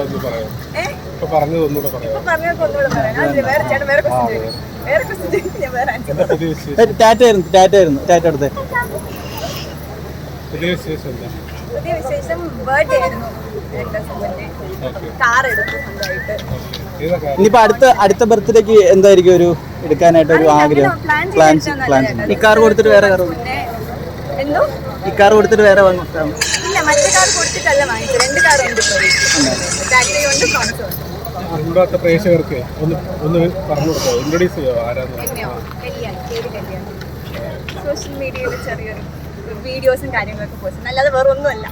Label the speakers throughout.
Speaker 1: പുതിയ വിശേഷം ബർത്ത്ഡേ ആയിരുന്നു. കാർ എടുത്തു സ്വന്തമായിട്ട്.
Speaker 2: ഇനിയിപ്പോ അടുത്ത ബർത്ത്ഡേക്ക് എന്തായിരിക്കും ഒരു എടുക്കാനായിട്ട് ഒരു ആഗ്രഹം? ഈ കാർ കൊടുത്തിട്ട് വേറെ കാർ
Speaker 1: എന്തോ
Speaker 2: ഈ കാർ കൊടുത്തിട്ട് വേറെ വാങ്ങാം?
Speaker 1: ഇല്ല, മറ്റേ കാർ കൊടുത്തിട്ടല്ല വാങ്ങിച്ചത്. 2 കാർ ഉണ്ട്.
Speaker 3: പ്രേക്ഷകർക്ക് ഒന്ന് പറഞ്ഞു കൊടുക്കാം, ഇൻട്രൊഡ്യൂസ് ചെയ്യാം.
Speaker 1: സോഷ്യൽ മീഡിയയിൽ ചെറിയൊരു വീഡിയോസും കാര്യങ്ങളൊക്കെ പോസ്റ്റ്, അല്ലാതെ വേറെ ഒന്നുമല്ല.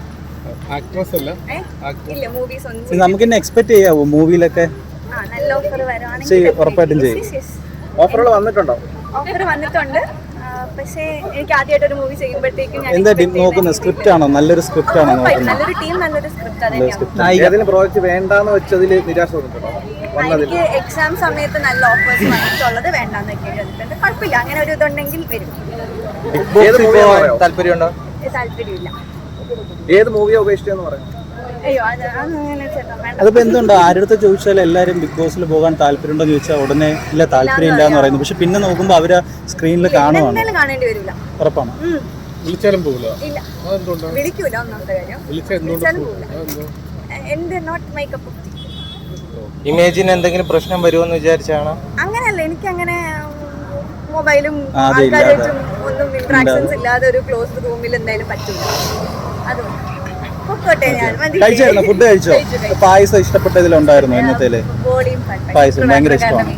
Speaker 1: ഇല്ല, മൂവീസ് ഒന്നും
Speaker 2: നമുക്ക് എക്സ്പെക്ട് ചെയ്യാവോ മൂവിയിലൊക്കെ?
Speaker 1: നല്ല ഓഫർ വരുവാണെങ്കിൽ
Speaker 2: ഉറപ്പായിട്ടും ചെയ്യും. ഓഫറുകൾ വന്നിട്ടുണ്ടോ?
Speaker 1: ഓഫർ വന്നിട്ടുണ്ട്. പക്ഷേ എനിക്ക് ആദ്യമായിട്ട് ഒരു മൂവി ചെയ്യുമ്പോഴത്തേക്കും
Speaker 2: എന്താ നോക്കുന്നത്? സ്ക്രിപ്റ്റ് ആണോ? നല്ലൊരു സ്ക്രിപ്റ്റ് ആണോ നോക്കുന്നത്?
Speaker 1: നല്ലൊരു ടീം, നല്ലൊരു സ്ക്രിപ്റ്റ്.
Speaker 2: ഏതെങ്കിലും പ്രോജക്റ്റ് വേണ്ടാന്ന് വെച്ചതിൽ നിരാശ വന്നിട്ടുണ്ടോ?
Speaker 1: എനിക്ക് എക്സാം സമയത്ത് നല്ല ഓഫേഴ്സ് വന്നിട്ടുള്ളത് വേണ്ടാന്ന് വെക്കേണ്ടി. കുഴപ്പമില്ല, അങ്ങനെ ഒരു ഇതുണ്ടെങ്കിൽ വരും.
Speaker 2: താല്പര്യമുണ്ടോ?
Speaker 1: താല്പര്യമില്ല.
Speaker 2: ഏത് മൂവിയാ ഉപേക്ഷിച്ചെന്ന് പറയാം?
Speaker 1: അയ്യോ, അങ്ങനെ വേണ്ട.
Speaker 2: അതിപ്പോ എന്തുകൊണ്ട് ആരുടെ ചോദിച്ചാൽ എല്ലാവരും ബിഗ് ബോസിൽ പോകാൻ താല്പര്യമുണ്ടോ ചോദിച്ചാൽ ഉടനെ ഇല്ല, താല്പര്യം ഇല്ല എന്ന് പറയുന്നു. പക്ഷെ പിന്നെ നോക്കുമ്പോ അവര് സ്ക്രീനിൽ കാണുവാണ്.
Speaker 1: കാണേണ്ടി വരില്ല.
Speaker 2: ഉറപ്പാണ്.
Speaker 3: വിളിച്ചാലും പോകില്ല.
Speaker 1: ഇല്ല, വിളിക്കൂല. ഒന്നാമത്തെ കാര്യം വിളിച്ചാലും പോകില്ല. എന്റെ not my cup of tea.
Speaker 2: ഇമേജിന് എന്തെങ്കിലും പ്രശ്നം വരുമെന്ന് വിചാരിച്ചാണോ?
Speaker 1: അങ്ങനെയല്ല, എനിക്ക് അങ്ങനെ മൊബൈലും ആൾക്കാരായിട്ടും ഒന്നും ഇന്ററാക്ഷൻസ് ഇല്ലാതെ ഒരു ക്ലോസ്ഡ് റൂമിൽ എന്തായാലും പറ്റില്ല. അതുകൊണ്ട്
Speaker 2: ഫുഡ് കഴിച്ചോ? പായസം ഇഷ്ടപ്പെട്ടതിലുണ്ടായിരുന്നു ഇന്നത്തേല്? പായസം ഭയങ്കര ഇഷ്ടമാണ്.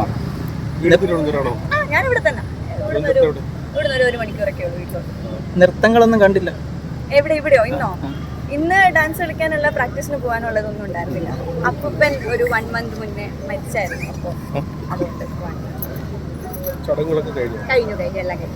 Speaker 1: ഞാൻ ഇവിടെ തന്നെ, ഇവിടുന്ന് ഒരു 1 മണിക്കൂറൊക്കെ ഉള്ളൂ വീട്ടിലോട്ട്.
Speaker 2: നൃത്തങ്ങളൊന്നും കണ്ടില്ല?
Speaker 1: ഇവിടെയോ? ഇന്ന് ഡാൻസ് കളിക്കാനുള്ള പ്രാക്ടീസിന് പോകാനുള്ളതൊന്നും ഉണ്ടായിരുന്നില്ല. അപ്പൂപ്പൻ ഒരു 1 മന്ത് മുന്നേ മരിച്ചായിരുന്നു. അപ്പോൾ അതുകൊണ്ട് കഴിഞ്ഞു എല്ലാം കഴിഞ്ഞു.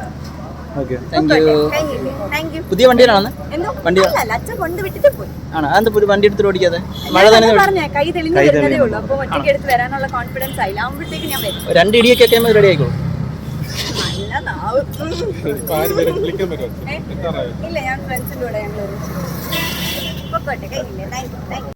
Speaker 2: പുതിയ വണ്ടിയിലാണെന്ന്?
Speaker 1: അച്ഛൻ കൊണ്ട് വിട്ടിട്ട് പോയി.
Speaker 2: ആണോ? അതെന്താ വണ്ടി എടുത്തിട്ട് ഓടിക്കാതെ? മഴ
Speaker 1: പറഞ്ഞേ, കൈ തെളിഞ്ഞു വരുന്നതേ ഉള്ളൂ. അപ്പൊ ഒറ്റയ്ക്ക് എടുത്ത് വരാനുള്ള കോൺഫിഡൻസ് ആയില്ല. ആകുമ്പോഴത്തേക്ക് ഞാൻ വരും.
Speaker 2: 2 ഇടിയൊക്കെ റെഡി ആയിക്കോളൂ.
Speaker 1: നല്ല നാവ്. ഇല്ല, ഞാൻ ഫ്രണ്ട്സിന്റെ കൂടെ ഞങ്ങൾ